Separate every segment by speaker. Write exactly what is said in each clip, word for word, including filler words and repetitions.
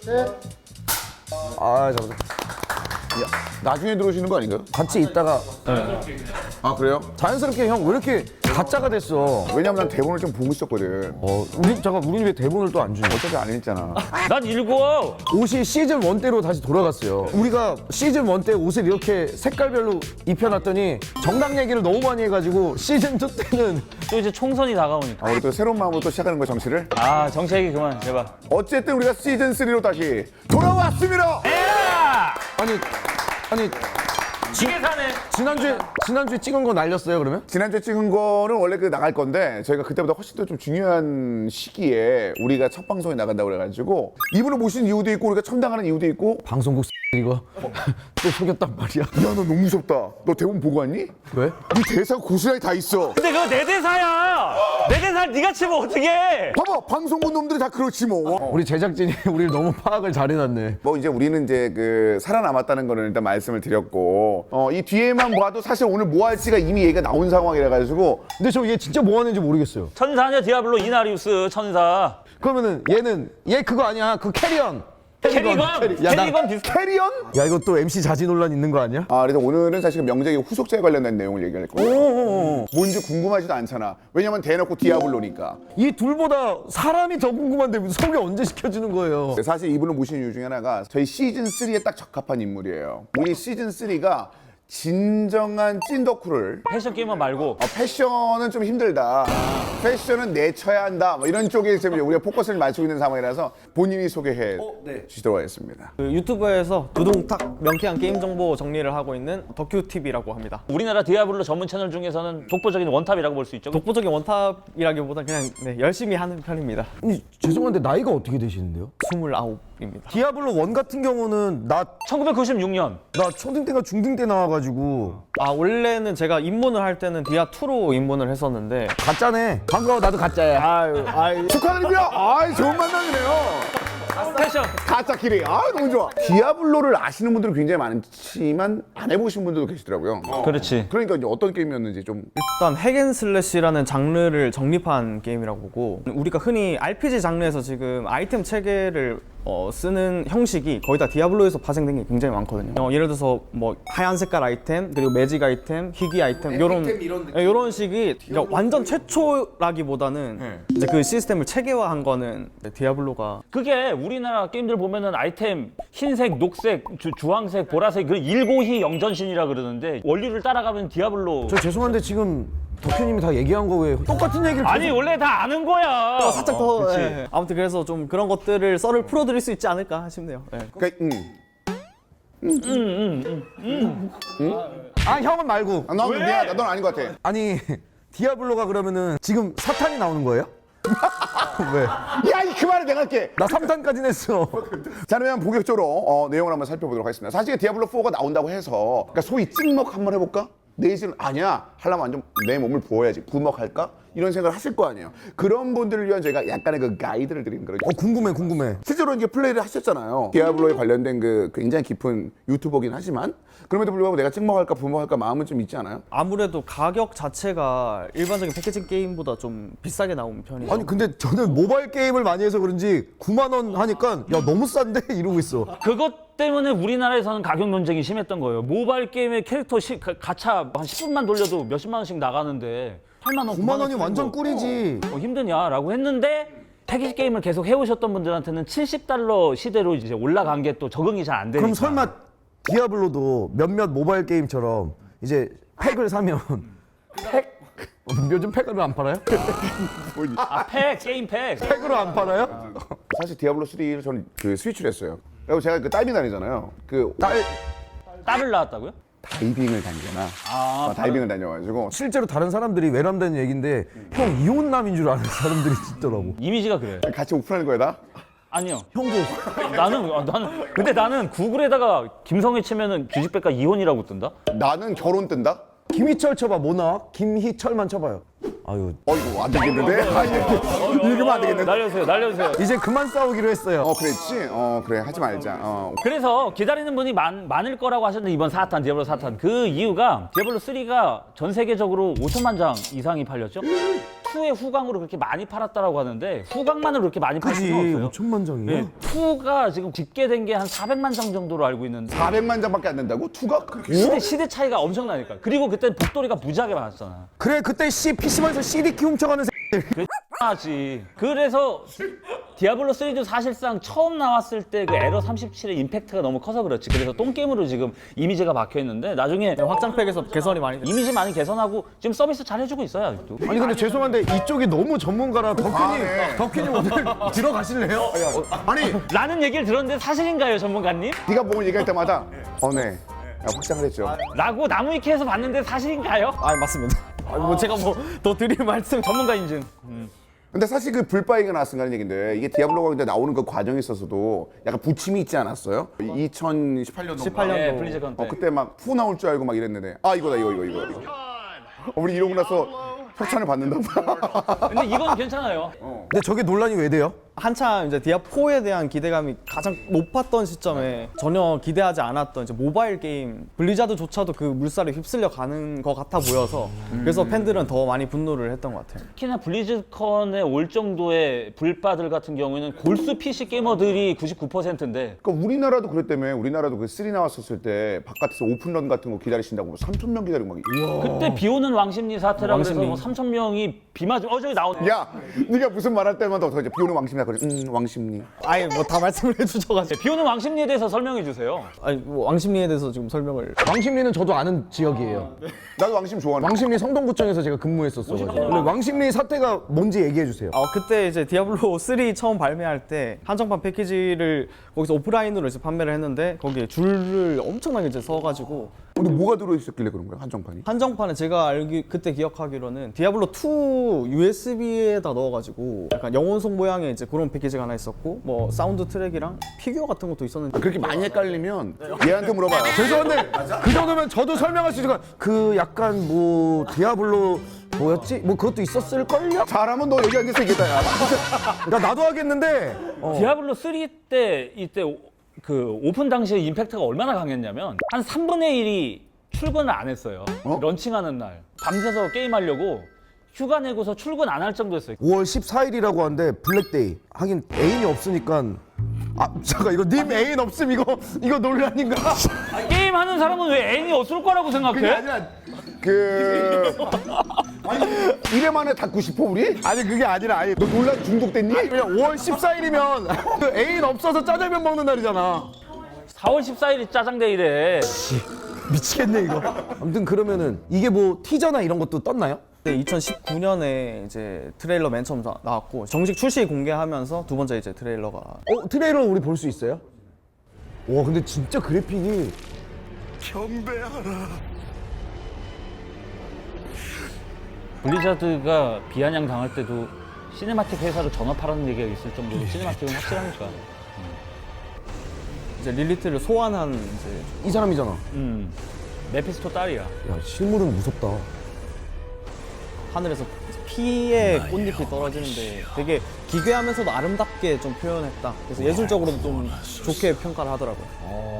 Speaker 1: 아 잠깐.
Speaker 2: 나중에 들어오시는 거 아닌가요?
Speaker 1: 같이 있다가
Speaker 2: 아 그래요?
Speaker 1: 자연스럽게 형 왜 이렇게 가짜가 됐어?
Speaker 2: 왜냐면 난 대본을 좀 보고 있었거든.
Speaker 1: 어 우리 잠깐 우리 왜 대본을 또 안 주냐?
Speaker 2: 어차피 안 읽잖아.
Speaker 3: 난 읽어.
Speaker 1: 옷이 시즌 원 때로 다시 돌아갔어요. 우리가 시즌 원 때 옷을 이렇게 색깔별로 입혀놨더니 정당 얘기를 너무 많이 해가지고 시즌 투 때는
Speaker 3: 또 이제 총선이 다가오니까.
Speaker 2: 아, 우리 또 새로운 마음으로 또 시작하는 거야 정치를.
Speaker 3: 아 정치 얘기 그만 제발.
Speaker 2: 어쨌든 우리가 시즌 쓰리로 다시 돌아왔습니다.
Speaker 3: 에라!
Speaker 1: 아니 아니
Speaker 3: 지게 사네.
Speaker 1: 지난주에 지난주에 찍은 거 날렸어요 그러면?
Speaker 2: 지난주에 찍은 거는 원래 그 나갈 건데 저희가 그때보다 훨씬 더 좀 중요한 시기에 우리가 첫 방송에 나간다고 그래가지고 이분을 모신 이유도 있고 우리가 첨당하는 이유도 있고.
Speaker 1: 방송국 이거 또 속였단 말이야.
Speaker 2: 야 너 너무 무섭다. 너 대본 보고 왔니?
Speaker 1: 왜?
Speaker 2: 네 대사 고스란히 다 있어.
Speaker 3: 근데 그거 내 대사야. 내 대사 네가 치면 어떡해?
Speaker 2: 봐봐 방송국 놈들이 다 그렇지 뭐.
Speaker 1: 우리 제작진이 우리를 너무 파악을 잘해놨네.
Speaker 2: 뭐 이제 우리는 이제 그 살아남았다는 거는 일단 말씀을 드렸고 어, 이 뒤에만 봐도 사실 오늘 뭐 할지가 이미 얘기가 나온 상황이라 가지고.
Speaker 1: 근데 저 얘 진짜 뭐 하는지 모르겠어요.
Speaker 3: 천사냐 디아블로 이나리우스 천사.
Speaker 1: 그러면은 얘는 얘 그거 아니야? 그 캐리언.
Speaker 3: 캐리건.
Speaker 1: 캐리- 야, 나-
Speaker 3: 캐리건 비슷.
Speaker 2: 캐리언?
Speaker 1: 야 이거 또 엠씨 자지 논란 있는 거 아니야?
Speaker 2: 아 그래서 오늘은 사실 명작의 후속작에 관련된 내용을 얘기할 거예요. 뭔지 궁금하지도 않잖아. 왜냐면 대놓고 디아블로니까.
Speaker 1: 이 둘보다 사람이 더 궁금한데 무슨 소개 언제 시켜주는 거예요?
Speaker 2: 사실 이분을 모신 이유 중에 하나가 저희 시즌 쓰리에 딱 적합한 인물이에요. 우리 시즌 쓰리가 진정한 찐 덕후를
Speaker 3: 패션 게임만 말고.
Speaker 2: 어, 패션은 좀 힘들다. 패션은 내쳐야 한다. 뭐 이런 쪽에 지금 우리가 포커스를 맞추고 있는 상황이라서 본인이 소개해 주시도록 하겠습니다.
Speaker 4: 그 유튜브에서 두둥탁 명쾌한 게임 정보 정리를 하고 있는 덕큐티비라고 합니다.
Speaker 3: 우리나라 디아블로 전문 채널 중에서는 독보적인 원탑이라고 볼 수 있죠.
Speaker 4: 독보적인 원탑이라기보다 그냥 네, 열심히 하는 편입니다.
Speaker 1: 아니, 죄송한데 나이가 어떻게 되시는데요?
Speaker 4: 스물아홉입니다.
Speaker 1: 디아블로 원 같은 경우는 나,
Speaker 3: 천구백구십육 년.
Speaker 1: 나 초등 때가 중등 때 나와가지고
Speaker 4: 아 원래는 제가 입문을 할 때는 디아 투로 입문을 했었는데
Speaker 1: 가짜네. 반가워 나도 가짜야.
Speaker 4: 아유 아유
Speaker 2: 축하드립니다. 아이 좋은 만남이네요.
Speaker 3: 패션.
Speaker 2: 가짜끼리. 아 너무 좋아. 디아블로를 아시는 분들은 굉장히 많지만 안 해보신 분들도 계시더라고요.
Speaker 3: 그렇지.
Speaker 2: 그러니까 이제 어떤 게임이었는지 좀.
Speaker 4: 일단 핵앤슬래시라는 장르를 정립한 게임이라고 보고 우리가 흔히 알피지 장르에서 지금 아이템 체계를 어, 쓰는 형식이 거의 다 디아블로에서 파생된 게 굉장히 많거든요. 어, 예를 들어서 뭐 하얀 색깔 아이템 그리고 매직 아이템, 희귀 아이템 이런 이런 식이 그러니까 완전 최초라기보다는 이제 그 시스템을 체계화한 거는 디아블로가
Speaker 3: 그게 우리나라 게임들 보면은 아이템 흰색, 녹색, 주, 주황색, 보라색 그 일고희 영전신이라 그러는데 원리를 따라가면 디아블로.
Speaker 1: 저 죄송한데 지금 덕현님이 다 얘기한 거 왜 똑같은 얘기를
Speaker 3: 아니
Speaker 1: 계속-
Speaker 3: 원래 다 아는 거야.
Speaker 4: 어, 살짝 더
Speaker 3: 그치.
Speaker 4: 예. 아무튼 그래서 좀 그런 것들을 썰을 풀어드릴 수 있지 않을까 싶네요. 예.
Speaker 2: 그러니까 음.
Speaker 1: 아 형은 말고.
Speaker 2: 아, 넌 미안하다. 넌 아닌 것 같아.
Speaker 1: 아니 디아블로가 그러면은 지금 사탄이 나오는 거예요? 왜?
Speaker 2: 야, 이 그만해 내가 할게.
Speaker 1: 나 삼 탄까지 냈어.
Speaker 2: 자, 그러면 본격적으로 어, 내용을 한번 살펴보도록 하겠습니다. 사실 디아블로 포가 나온다고 해서 그러니까 소위 찍먹 한번 해볼까? 내일은 아니야. 하려면 완전 내 몸을 부어야지. 부먹할까? 이런 생각을 하실 거 아니에요. 그런 분들을 위한 저희가 약간의 그 가이드를 드리는 거예요.
Speaker 1: 어 궁금해 궁금해.
Speaker 2: 실제로 이제 플레이를 하셨잖아요. 디아블로에 관련된 그 굉장히 깊은 유튜버긴 하지만 그럼에도 불구하고 내가 찍먹할까 부먹할까 마음은 좀 있지 않아요?
Speaker 4: 아무래도 가격 자체가 일반적인 패키징 게임보다 좀 비싸게 나온 편이에요.
Speaker 1: 아니 근데 저는 모바일 게임을 많이 해서 그런지 구만 원 하니까 야 너무 싼데 이러고 있어.
Speaker 3: 그것 때문에 우리나라에서는 가격 논쟁이 심했던 거예요. 모바일 게임의 캐릭터 시, 가, 가차 한 십 분만 돌려도 몇십만 원씩 나가는데 팔만 원,
Speaker 1: 구만 원이
Speaker 3: 쓰는
Speaker 1: 완전
Speaker 3: 거,
Speaker 1: 꿀이지.
Speaker 3: 어, 힘드냐라고 했는데 패키지 게임을 계속 해오셨던 분들한테는 칠십 달러 시대로 이제 올라간 게 또 적응이 잘 안 되니까.
Speaker 1: 그럼 설마 디아블로도 몇몇 모바일 게임처럼 이제 팩을 사면 팩? 어, 요즘 팩으로 안 팔아요?
Speaker 3: 아, 팩, 게임 팩.
Speaker 1: 팩으로 안 팔아요?
Speaker 2: 사실 디아블로 쓰리를 저는 그 스위치를 했어요. 그리고 제가 그 딸이 다니잖아요. 그
Speaker 1: 딸
Speaker 3: 딸을 낳았다고요?
Speaker 2: 다이빙을 다니잖아.
Speaker 3: 아,
Speaker 2: 어, 다이빙을 다녀가지고
Speaker 1: 실제로 다른 사람들이 외람된 얘기인데 형 이혼남인 줄 아는 사람들이 있더라고.
Speaker 3: 이미지가 그래.
Speaker 2: 같이 오픈하는 거야 다?
Speaker 3: 아니요.
Speaker 1: 형도
Speaker 3: 나는 아, 나는 근데 나는 구글에다가 김성애 치면은 규직백과 이혼이라고 뜬다.
Speaker 2: 나는 결혼 뜬다?
Speaker 1: 김희철 쳐봐 뭐 나와? 김희철만 쳐봐요. 아유
Speaker 2: 어 이거 안 되겠는데? 아, 이거 읽으면 안 되겠는데?
Speaker 3: 날려주세요, 날려주세요.
Speaker 1: 이제 그만 싸우기로 했어요.
Speaker 2: 어 그랬지? 어 그래 하지 말자. 어.
Speaker 3: 그래서 기다리는 분이 많, 많을 거라고 하셨는데 이번 사 탄, 디아블로 사 탄 그 이유가 디아블로 쓰리가 전 세계적으로 오천만 장 이상이 팔렸죠? 이의 후광으로 그렇게 많이 팔았다라고 하는데 후광만으로 그렇게 많이 팔
Speaker 1: 그지
Speaker 3: 수는 없어요.
Speaker 1: 오천만 장이야?
Speaker 3: 네, 이가 지금 집계된 게 한 사백만 장 정도로 알고 있는데
Speaker 2: 사백만 장밖에 안 된다고? 투가 그렇게
Speaker 3: 시대, 시대 차이가 엄청나니까. 그리고 그때 복돌이가 무지하게 많았잖아.
Speaker 1: 그래 그때 씨 피시방에서 씨디 키 훔쳐가는
Speaker 3: 하지. 그래서 디아블로 쓰리도 사실상 처음 나왔을 때 그 에러 삼십칠의 임팩트가 너무 커서 그렇지. 그래서 똥게임으로 지금 이미지가 박혀 있는데 나중에
Speaker 4: 네, 확장팩에서 개선이 많이 됐어요.
Speaker 3: 이미지 많이 개선하고 지금 서비스 잘 해주고 있어요 아직도.
Speaker 1: 아니 근데 죄송한데 이쪽이 너무 전문가라 덕훈이
Speaker 2: 아, 네.
Speaker 1: 덕훈이 오늘 들어가실래요?
Speaker 2: 아니
Speaker 3: 라는 얘기를 들었는데 사실인가요 전문가님?
Speaker 2: 네가 뭘 얘기할 때마다 어네 야, 확장을 했죠.
Speaker 3: 라고 나무위키에서 봤는데 사실인가요?
Speaker 4: 아 맞습니다. 아, 뭐 제가 뭐 더 드릴 말씀
Speaker 3: 전문가 인증.
Speaker 2: 근데 사실 그 불바이가 나왔으니까 하는 얘긴데 이게 디아블로가 근데 나오는 그 과정에 있어서도 약간 부침이 있지 않았어요? 이천십팔 년도
Speaker 4: 십팔 년도.
Speaker 3: 네, 블리즈컨 때.
Speaker 2: 어 그때 막 푸 나올 줄 알고 막 이랬는데 아 이거다 이거 이거 이거 어, 우리 이러고 나서 협찬을 받는다.
Speaker 3: 근데 이건 괜찮아요.
Speaker 1: 근데 저게 논란이 왜 돼요?
Speaker 4: 한참 이제 디아포에 대한 기대감이 가장 높았던 시점에 전혀 기대하지 않았던 이제 모바일 게임 블리자드조차도 그 물살에 휩쓸려 가는 것 같아 보여서 그래서 팬들은 더 많이 분노를 했던 것 같아요.
Speaker 3: 특히나 블리즈컨에 올 정도의 불바들 같은 경우에는 골수 피씨 게이머들이 구십구 퍼센트인데
Speaker 2: 그러니까 우리나라도 그랬다며. 우리나라도 그 쓰리 나왔었을 때 바깥에서 오픈런 같은 거 기다리신다고 뭐 삼천 명 기다리고 막. 우와.
Speaker 3: 그때 비 오는 왕십리 사태라고 해서
Speaker 4: 왕십리.
Speaker 3: 뭐 삼천 명이 비 맞으면 어 저기 나오네.
Speaker 2: 야, 네가 무슨 말할 때마다 어떡하지? 비 오는 왕심리야. 그래. 음, 왕심리.
Speaker 4: 아예 뭐 다 말씀을 해주셔가지고
Speaker 3: 비 오는 왕십리에 대해서 설명해 주세요.
Speaker 4: 아니 뭐 왕십리에 대해서 지금 설명을
Speaker 1: 왕십리는 저도 아는 지역이에요.
Speaker 2: 나도 왕심 좋아하는.
Speaker 1: 왕십리 성동구청에서 제가 근무했었어가지고 원래 왕십리 사태가 뭔지 얘기해 주세요.
Speaker 4: 어, 그때 이제 디아블로 쓰리 처음 발매할 때 한정판 패키지를 거기서 오프라인으로 이제 판매를 했는데 거기에 줄을 엄청나게 이제 서가지고
Speaker 2: 근데 뭐가 들어있었길래 그런 거야? 한정판이?
Speaker 4: 한정판에 제가 알기 그때 기억하기로는 디아블로 투 유에스비에다 넣어가지고 약간 영혼송 모양의 이제 그런 패키지가 하나 있었고 뭐 사운드 트랙이랑 피규어 같은 것도 있었는데
Speaker 2: 그렇게 많이 헷갈리면 얘한테 물어봐요.
Speaker 1: 죄송한데 그 정도면 저도 설명할 수 있을 그 약간 뭐 디아블로 뭐였지? 뭐 그것도 있었을걸요?
Speaker 2: 잘하면 너 여기 앉아서 얘기했다, 야.
Speaker 1: 그러니까 나도 하겠는데 어.
Speaker 3: 디아블로 쓰리 때 이때 오- 그 오픈 당시에 임팩트가 얼마나 강했냐면 한 삼분의 일이 출근을 안 했어요.
Speaker 2: 어?
Speaker 3: 런칭하는 날 밤새서 게임하려고 휴가 내고서 출근 안 할 정도였어요.
Speaker 1: 오월 십사일이라고 하는데 블랙데이. 하긴 애인이 없으니까 아 잠깐 이거 님 애인 없음 이거 이거 논란인가?
Speaker 3: 게임 하는 사람은 왜 애인이 없을 거라고 생각해?
Speaker 2: 그게 아니라 그 아니 이래 만에 닫고 싶어 우리?
Speaker 1: 아니 그게 아니라 아니
Speaker 2: 너 논란 중독됐니?
Speaker 1: 그냥 오월 십사일이면 그 애인 없어서 짜장면 먹는 날이잖아.
Speaker 3: 사월 십사일이 짜장데이래.
Speaker 1: 미치겠네 이거. 아무튼 그러면은 이게 뭐 티저나 이런 것도 떴나요?
Speaker 4: 그때 이천십구 년에 이제 트레일러 맨 처음 나- 나왔고 정식 출시 공개하면서 두 번째 이제 트레일러가
Speaker 1: 어 트레일러 우리 볼 수 있어요? 와 근데 진짜 그래픽이
Speaker 3: 블리자드가 비아냥 당할 때도 시네마틱 회사로 전업하라는 얘기가 있을 정도로 시네마틱은 확실하니까.
Speaker 4: 이제 릴리트를 소환한 이제
Speaker 1: 이 사람이잖아.
Speaker 3: 음, 메피스토 딸이야.
Speaker 1: 야 실물은 무섭다.
Speaker 4: 하늘에서 피의 꽃잎이 떨어지는데 되게 기괴하면서도 아름답게 좀 표현했다. 그래서 예술적으로도 좀 좋게 평가를 하더라고요.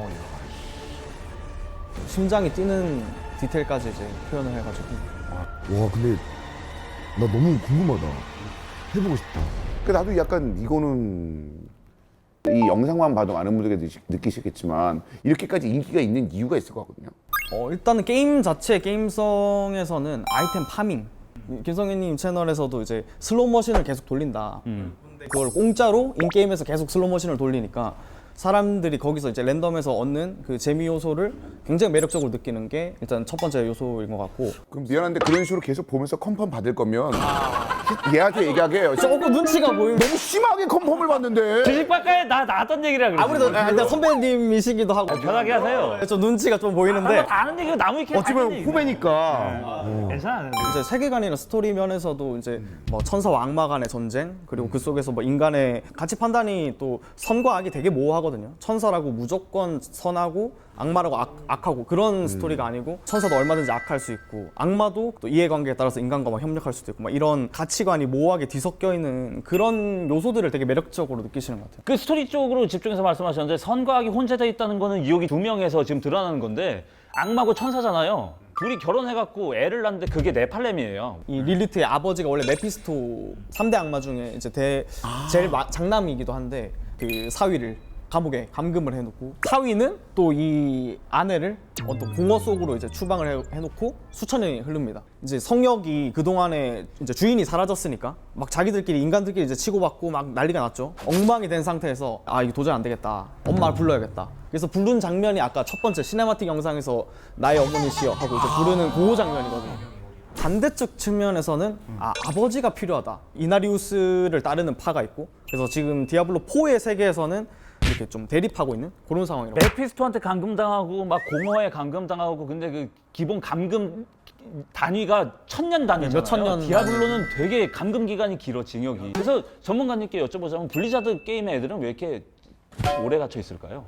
Speaker 4: 심장이 뛰는 디테일까지 이제 표현을 해가지고.
Speaker 1: 와 근데 나 너무 궁금하다. 해보고 싶다.
Speaker 2: 그 나도 약간 이거는 이 영상만 봐도 많은 분들이 느끼- 느끼시겠지만 이렇게까지 인기가 있는 이유가 있을 것 같거든요.
Speaker 4: 어, 일단은 게임 자체 게임성에서는 아이템 파밍. 김성현님 채널에서도 이제 슬롯 머신을 계속 돌린다. 근데 그걸 공짜로 인게임에서 계속 슬롯 머신을 돌리니까 사람들이 거기서 이제 랜덤에서 얻는 그 재미 요소를 굉장히 매력적으로 느끼는 게 일단 첫 번째 요소인 것 같고.
Speaker 2: 그럼 미안한데 그런 식으로 계속 보면서 컨펌 받을 거면 얘한테 얘기하게 해요.
Speaker 4: 조금 눈치가 보이면
Speaker 2: 너무 심하게 컨펌을 받는데.
Speaker 3: 주식박가에 나 나왔던 얘기라 그래.
Speaker 4: 아무래도 아, 일단 선배님이시기도 하고
Speaker 3: 편하게 하세요.
Speaker 4: 좀 눈치가 좀 보이는데
Speaker 3: 다 아는 얘기가 나무 위키에
Speaker 1: 어찌보면 후배니까.
Speaker 3: 괜찮아.
Speaker 4: 이제 세계관이나 스토리 면에서도 이제 뭐 천사와 악마 간의 전쟁 그리고 그 속에서 뭐 인간의 가치 판단이 또 선과 악이 되게 모호하거든요. 천사라고 무조건 선하고 악마라고 악, 악하고 그런 스토리가 아니고 천사도 얼마든지 악할 수 있고 악마도 또 이해관계에 따라서 인간과 막 협력할 수도 있고 막 이런 가치관이 모호하게 뒤섞여 있는 그런 요소들을 되게 매력적으로 느끼시는 것 같아요.
Speaker 3: 그 스토리 쪽으로 집중해서 말씀하셨는데 선과 악이 혼재되어 있다는 거는 유혹이 두 명에서 지금 드러나는 건데 악마고 천사잖아요. 둘이 결혼해갖고 애를 낳는데 그게 네팔렘이에요.
Speaker 4: 이 릴리트의 아버지가 원래 메피스토 삼 대 악마 중에 이제 대, 제일 마, 장남이기도 한데 그 사위를 감옥에 감금을 해놓고 사위는 또 이 아내를 어떤 공허 속으로 이제 추방을 해, 해놓고 수천 년이 흐릅니다. 이제 성역이 그 동안에 이제 주인이 사라졌으니까 막 자기들끼리 인간들끼리 이제 치고받고 막 난리가 났죠. 엉망이 된 상태에서 아 이거 도저히 안 되겠다. 엄마를 불러야겠다. 그래서 부른 장면이 아까 첫 번째 시네마틱 영상에서 나의 어머니시여 하고 이제 부르는 그 장면이거든요. 반대쪽 측면에서는 아, 아버지가 필요하다. 이나리우스를 따르는 파가 있고 그래서 지금 디아블로 사의 세계에서는 이렇게 좀 대립하고 있는 그런 상황이라고.
Speaker 3: 메피스토한테 감금당하고 막 공허에 감금당하고 근데 그 기본 감금 단위가 천년 단위잖아요.
Speaker 4: 몇 천 년
Speaker 3: 디아블로는 되게 감금 기간이 길어 징역이. 그래서 전문가님께 여쭤보자면 블리자드 게임의 애들은 왜 이렇게 오래 갇혀 있을까요?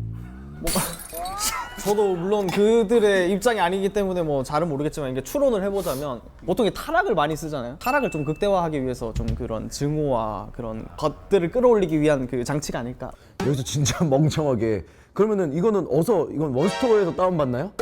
Speaker 4: 저도 물론 그들의 입장이 아니기 때문에 뭐 잘은 모르겠지만 이게 추론을 해보자면 보통 이 타락을 많이 쓰잖아요. 타락을 좀 극대화하기 위해서 좀 그런 증오와 그런 것들을 끌어올리기 위한 그 장치가 아닐까.
Speaker 1: 여기서 진짜 멍청하게 그러면은 이거는 어서 이건 원스토어에서 다운받나요?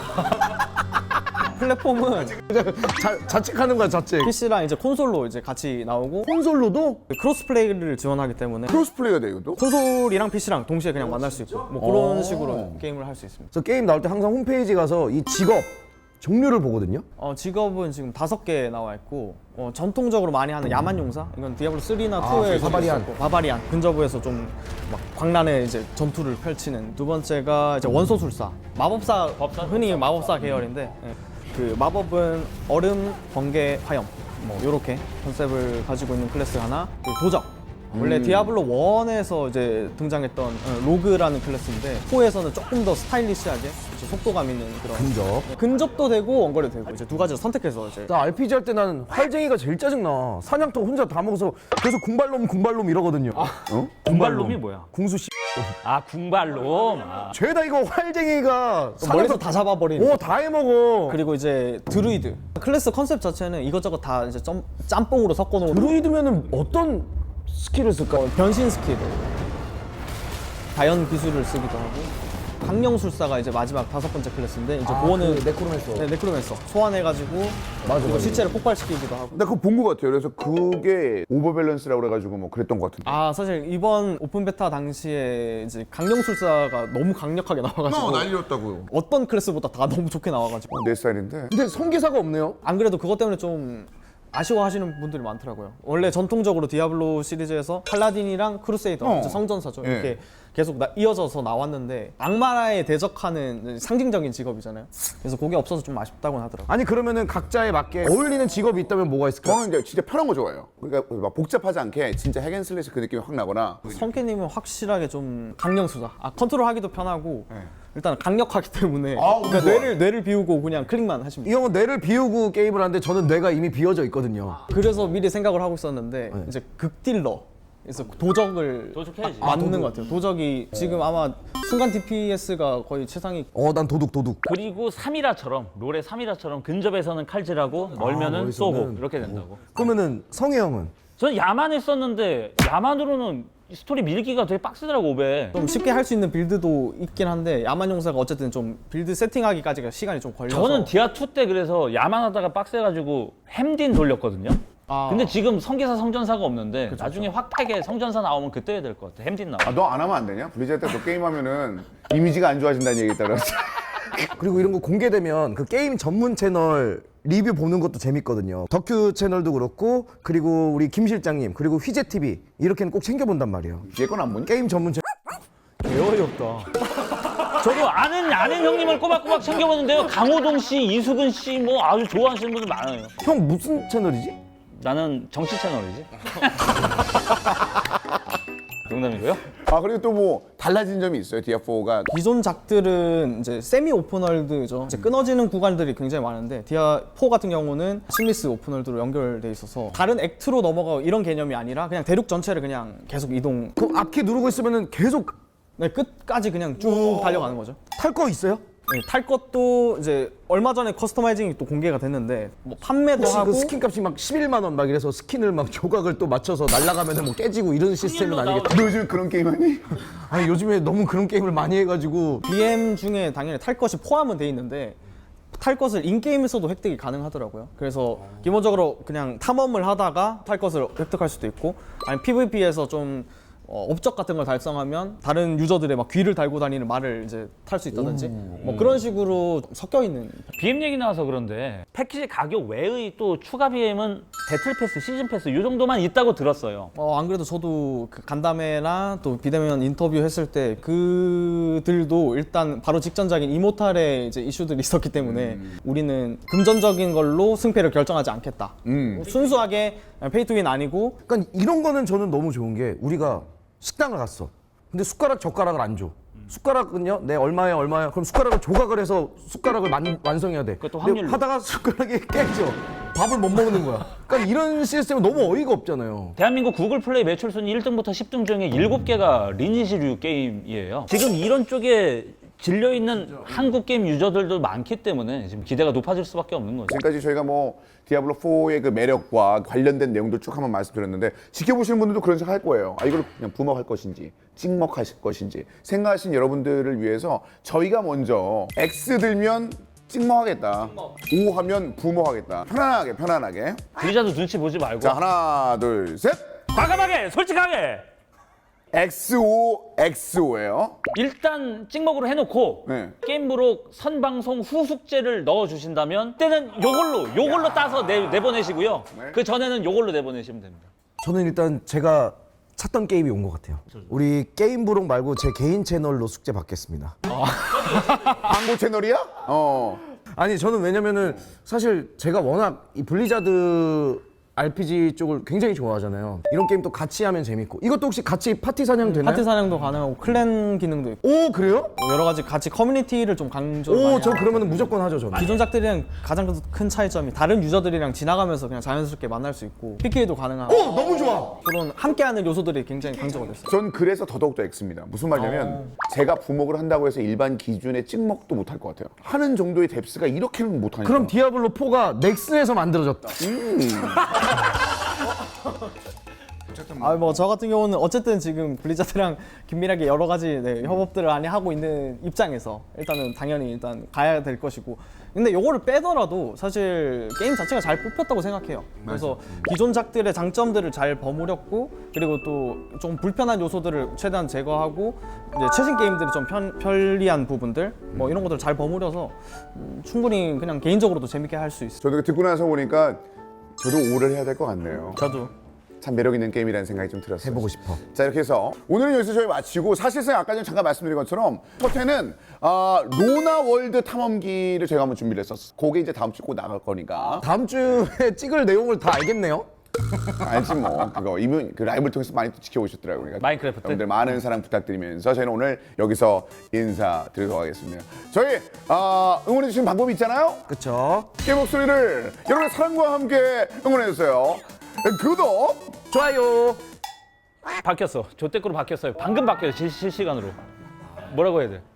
Speaker 4: 플랫폼은
Speaker 1: 자, 자책하는 거야 자책.
Speaker 4: 피씨랑 이제 콘솔로 이제 같이 나오고
Speaker 1: 콘솔로도
Speaker 4: 크로스플레이를 지원하기 때문에
Speaker 2: 크로스플레이가 돼 이것도?
Speaker 4: 콘솔이랑 피씨랑 동시에 그냥 만날 수 있고 뭐 그런
Speaker 1: 오.
Speaker 4: 식으로 게임을 할 수 있습니다.
Speaker 1: 저 게임 나올 때 항상 홈페이지 가서 이 직업 종류를 보거든요.
Speaker 4: 어, 직업은 지금 다섯 개 나와 있고 어, 전통적으로 많이 하는 야만용사 이건 디아블로 쓰리나 투에
Speaker 1: 바바리안.
Speaker 4: 바바리안 근접부에서 좀 막 광란의 이제 전투를 펼치는 두 번째가 이제 원소술사 마법사
Speaker 3: 법사?
Speaker 4: 흔히 마법사 계열인데 예. 그 마법은 얼음, 번개, 화염 뭐 요렇게 컨셉을 가지고 있는 클래스 하나 그리고 도적 원래 디아블로 원에서 이제 등장했던 어, 로그라는 클래스인데 사에서는 조금 더 스타일리시하게 이제 속도감 있는 그런
Speaker 1: 근접.
Speaker 4: 근접도 되고 원거리도 되고 이제 두 가지를 선택해서 이제
Speaker 1: 나 알피지 할 때 나는 활쟁이가 제일 짜증나. 사냥터 혼자 다 먹어서 계속 궁발놈 궁발놈 이러거든요.
Speaker 2: 어?
Speaker 3: 궁발놈이 뭐야?
Speaker 1: 궁수 씨.
Speaker 3: 아 궁발놈. 아.
Speaker 1: 죄다 이거 활쟁이가
Speaker 4: 멀리서 다 잡아버리는.
Speaker 1: 오, 다 해먹어.
Speaker 4: 그리고 이제 드루이드 클래스 컨셉 자체는 이것저것 다 이제 점, 짬뽕으로 섞어놓은
Speaker 1: 드루이드면은 어떤 스킬을 쓸까?
Speaker 4: 변신 스킬, 자연 기술을 쓰기도 하고 강령술사가 이제 마지막 다섯 번째 클래스인데 이제 그거는
Speaker 1: 그 네크로맨서.
Speaker 4: 네, 네크로맨서 소환해가지고
Speaker 1: 맞아,
Speaker 4: 그리고
Speaker 1: 맞아.
Speaker 4: 시체를 폭발시키기도 하고.
Speaker 2: 나 그거 본 것 같아요. 그래서 그게 오버밸런스라고 그래가지고 뭐 그랬던 것 같은데.
Speaker 4: 아 사실 이번 오픈 베타 당시에 이제 강령술사가 너무 강력하게 나와가지고
Speaker 2: 난리였다고요.
Speaker 4: 어떤 클래스보다 다 너무 좋게 나와가지고
Speaker 2: 내 스타일인데.
Speaker 1: 근데 성기사가 없네요.
Speaker 4: 안 그래도 그것 때문에 좀 아쉬워하시는 분들이 많더라고요. 원래 전통적으로 디아블로 시리즈에서 팔라딘이랑 크루세이더,
Speaker 2: 어.
Speaker 4: 이제 성전사죠.
Speaker 2: 예.
Speaker 4: 이렇게 계속 나- 이어져서 나왔는데 악마에 대적하는 상징적인 직업이잖아요. 그래서 그게 없어서 좀 아쉽다고 하더라고요.
Speaker 1: 아니 그러면은 각자에 맞게 어울리는 직업이 있다면 뭐가 있을까?
Speaker 2: 저는 이제 진짜 편한 거 좋아해요. 그러니까 막 복잡하지 않게 진짜 핵앤슬래시 그 느낌이 확 나거나.
Speaker 4: 성캐님은 확실하게 좀 강령수다. 아 컨트롤하기도 편하고
Speaker 2: 네.
Speaker 4: 일단 강력하기 때문에
Speaker 2: 아,
Speaker 4: 그러니까
Speaker 2: 좋아.
Speaker 4: 뇌를 뇌를 비우고 그냥 클릭만 하시면
Speaker 1: 이
Speaker 4: 돼요.
Speaker 1: 형은 뇌를 비우고 게임을 하는데 저는 뇌가 이미 비워져 있거든요.
Speaker 4: 그래서 미리 생각을 하고 있었는데
Speaker 1: 네.
Speaker 4: 이제 극딜러 그래서 도적을
Speaker 3: 도적해야지.
Speaker 4: 맞는 것 같아요. 도적이 지금 아마 순간 디피에스가 거의 최상위.
Speaker 1: 어, 난 도둑 도둑.
Speaker 3: 그리고 삼이라처럼 롤의 삼이라처럼 근접에서는 칼질하고 멀면은
Speaker 1: 멀리서는.
Speaker 3: 쏘고 이렇게 된다고.
Speaker 1: 그러면은 성혜 형은
Speaker 3: 저는 야만 했었는데 야만으로는 스토리 밀기가 되게 빡세더라고 오베.
Speaker 4: 좀 쉽게 할 수 있는 빌드도 있긴 한데 야만용사가 어쨌든 좀 빌드 세팅하기까지가 시간이 좀 걸려서
Speaker 3: 저는 디아 투 때 그래서 야만하다가 빡세가지고 햄딘 돌렸거든요.
Speaker 4: 아.
Speaker 3: 근데 지금 성기사 성전사가 없는데 나중에 확팩에 성전사 나오면 그때 해야 될 것 같아. 햄딘 나와.
Speaker 2: 아, 너 안 하면 안 되냐? 블리자드 때 너 게임하면은 이미지가 안 좋아진다는 얘기 있다 그랬어.
Speaker 1: 그리고 이런 거 공개되면 그 게임 전문 채널 리뷰 보는 것도 재밌거든요. 덕큐 채널도 그렇고 그리고 우리 김 실장님 그리고 휘재 티비 이렇게는 꼭 챙겨본단 말이에요.
Speaker 2: 얘 건 안 보니?
Speaker 1: 게임 전문 채널.
Speaker 3: 저도 아는 아는 형님을 꼬박꼬박 챙겨보는데요. 강호동 씨, 이수근 씨 뭐 아주 좋아하시는 분들 많아요.
Speaker 1: 형 무슨 채널이지?
Speaker 3: 나는 정치 채널이지. 농담이고요.
Speaker 2: 아, 그리고 또 뭐 달라진 점이 있어요. 디아사가.
Speaker 4: 기존 작들은 이제 세미 오픈월드죠. 이제 끊어지는 구간들이 굉장히 많은데 디아 사 같은 경우는 심리스 오픈월드로 연결돼 있어서 다른 액트로 넘어가고 이런 개념이 아니라 그냥 대륙 전체를 그냥 계속 이동.
Speaker 1: 그 앞키 누르고 있으면은 계속
Speaker 4: 네, 끝까지 그냥 쭉 달려가는 거죠.
Speaker 1: 탈 거 있어요?
Speaker 4: 네, 탈 것도 이제 얼마 전에 커스터마이징이 또 공개가 됐는데 뭐 판매도
Speaker 1: 혹시
Speaker 4: 하고
Speaker 1: 그 스킨 값이 막 십일만 원 막 이래서 스킨을 막 조각을 또 맞춰서 날라가면은 뭐 깨지고 이런 시스템은 아니겠다.
Speaker 2: 너 요즘 그런 게임 하니?
Speaker 1: 아니 요즘에 너무 그런 게임을 많이 해가지고
Speaker 4: 비엠 중에 당연히 탈 것이 포함은 돼 있는데 탈 것을 인게임에서도 획득이 가능하더라고요. 그래서 기본적으로 그냥 탐험을 하다가 탈 것을 획득할 수도 있고, 아니면 피브이피에서 좀 어, 업적 같은 걸 달성하면 다른 유저들의 막 귀를 달고 다니는 말을 이제 탈 수 있다든지 뭐 그런 식으로 섞여 있는.
Speaker 3: 비엠 얘기 나와서 그런데 패키지 가격 외의 또 추가 비엠은 배틀 패스, 시즌 패스 이 정도만 있다고 들었어요.
Speaker 4: 어, 안 그래도 저도 그 간담회나 또 비대면 인터뷰 했을 때 그들도 일단 바로 직전작인 이모탈의 이제 이슈들이 있었기 때문에
Speaker 2: 음.
Speaker 4: 우리는 금전적인 걸로 승패를 결정하지 않겠다.
Speaker 2: 음.
Speaker 4: 순수하게 페이 투 윈 아니고.
Speaker 1: 그러니까 이런 거는 저는 너무 좋은 게 우리가 식당을 갔어. 근데 숟가락 젓가락을 안 줘. 숟가락은요, 내 얼마야 얼마야. 그럼 숟가락을 조각을 해서 숟가락을 만, 완성해야 돼.
Speaker 3: 그것도
Speaker 1: 근데
Speaker 3: 확률로.
Speaker 1: 하다가 숟가락이 깨져. 밥을 못 먹는 거야. 그러니까 이런 시스템은 너무 어이가 없잖아요.
Speaker 3: 대한민국 구글 플레이 매출 순위 일 등부터 십 등 중에 일곱 개가 리니지류 게임이에요. 지금 이런 쪽에 질려 있는 한국 게임 유저들도 많기 때문에 지금 기대가 높아질 수밖에 없는 거죠.
Speaker 2: 지금까지 저희가 뭐 디아블로 포의 그 매력과 관련된 내용들 쭉 한번 말씀드렸는데 지켜보시는 분들도 그런 생각 할 거예요. 아, 이걸 그냥 부먹할 것인지 찍먹하실 것인지 생각하신 여러분들을 위해서 저희가 먼저 X 들면 찍먹하겠다, O 하면 부먹하겠다. 편안하게 편안하게.
Speaker 3: 블리자드 눈치 보지 말고
Speaker 2: 자, 하나 둘 셋.
Speaker 3: 과감하게 솔직하게
Speaker 2: 엑스오 엑스오예요.
Speaker 3: 일단 찍먹으로 해놓고
Speaker 2: 네.
Speaker 3: 게임부로 선방송 후 숙제를 넣어주신다면 그때는 요걸로 요걸로 따서 내, 내보내시고요.
Speaker 2: 네.
Speaker 3: 그 전에는 요걸로 내보내시면 됩니다.
Speaker 1: 저는 일단 제가 찾던 게임이 온 것 같아요. 우리 게임 부록 말고 제 개인 채널로 숙제 받겠습니다.
Speaker 2: 광고 채널이야? 어.
Speaker 1: 아니 저는 왜냐면은 사실 제가 워낙 이 블리자드 알피지 쪽을 굉장히 좋아하잖아요. 이런 게임 또 같이 하면 재밌고. 이것도 혹시 같이 파티 사냥 되나요?
Speaker 4: 파티 사냥도 가능하고 클랜 기능도 있고
Speaker 1: 오 그래요?
Speaker 4: 여러 가지 같이 커뮤니티를 좀 강조를 많이
Speaker 1: 오 저
Speaker 4: 하고.
Speaker 1: 그러면은 무조건 하죠 저는.
Speaker 4: 기존작들이랑 가장 큰 차이점이 다른 유저들이랑 지나가면서 그냥 자연스럽게 만날 수 있고 피케이도 가능하고
Speaker 1: 오 너무 좋아.
Speaker 4: 그런 함께하는 요소들이 굉장히 강조가 됐어요.
Speaker 2: 전 그래서 더더욱더 X입니다. 무슨 말이냐면 제가 부먹을 한다고 해서 일반 기준의 찍먹도 못할 것 같아요. 하는 정도의 뎁스가 이렇게는 못하니까.
Speaker 1: 그럼 디아블로 포가 넥슨에서 만들어졌다.
Speaker 4: 아 뭐 저 같은 경우는 어쨌든 지금 블리자드랑 긴밀하게 여러 가지 네, 협업들을 많이 하고 있는 입장에서 일단은 당연히 일단 가야 될 것이고, 근데 요거를 빼더라도 사실 게임 자체가 잘 뽑혔다고 생각해요. 그래서 기존작들의 장점들을 잘 버무렸고, 그리고 또 좀 불편한 요소들을 최대한 제거하고 이제 최신 게임들이 좀 편, 편리한 부분들 뭐 이런 것들을 잘 버무려서 음, 충분히 그냥 개인적으로도 재밌게 할 수 있어요.
Speaker 2: 저도 듣고 나서 보니까 저도 오를 해야 될 것 같네요.
Speaker 4: 저도
Speaker 2: 참 매력 있는 게임이라는 생각이 좀 들었어요.
Speaker 1: 해보고 싶어.
Speaker 2: 자, 이렇게 해서 오늘은 여기서 저희 마치고, 사실상 아까 전 잠깐 말씀드린 것처럼 첫 회는 아, 로나 월드 탐험기를 저희가 한번 준비를 했었어. 그게 이제 다음 주에 꼭 나갈 거니까.
Speaker 1: 다음 주에 찍을 내용을 다 알겠네요.
Speaker 2: 알지 뭐. 그거 이미 그 라이브를 통해서 많이 또 지켜오셨더라고요. 그러니까
Speaker 3: 마인크래프트.
Speaker 2: 여러분들 많은 사랑 부탁드리면서 저희는 오늘 여기서 인사드리도록 하겠습니다. 저희 아, 응원해 주시는 방법이 있잖아요.
Speaker 1: 그쵸?
Speaker 2: 게임 목소리를 여러분의 사랑과 함께 응원해 주세요. 구독.
Speaker 1: 좋아요.
Speaker 3: 바뀌었어. 조태꾸로 바뀌었어요. 방금 바뀌었어요. 실, 실시간으로. 뭐라고 해야 돼?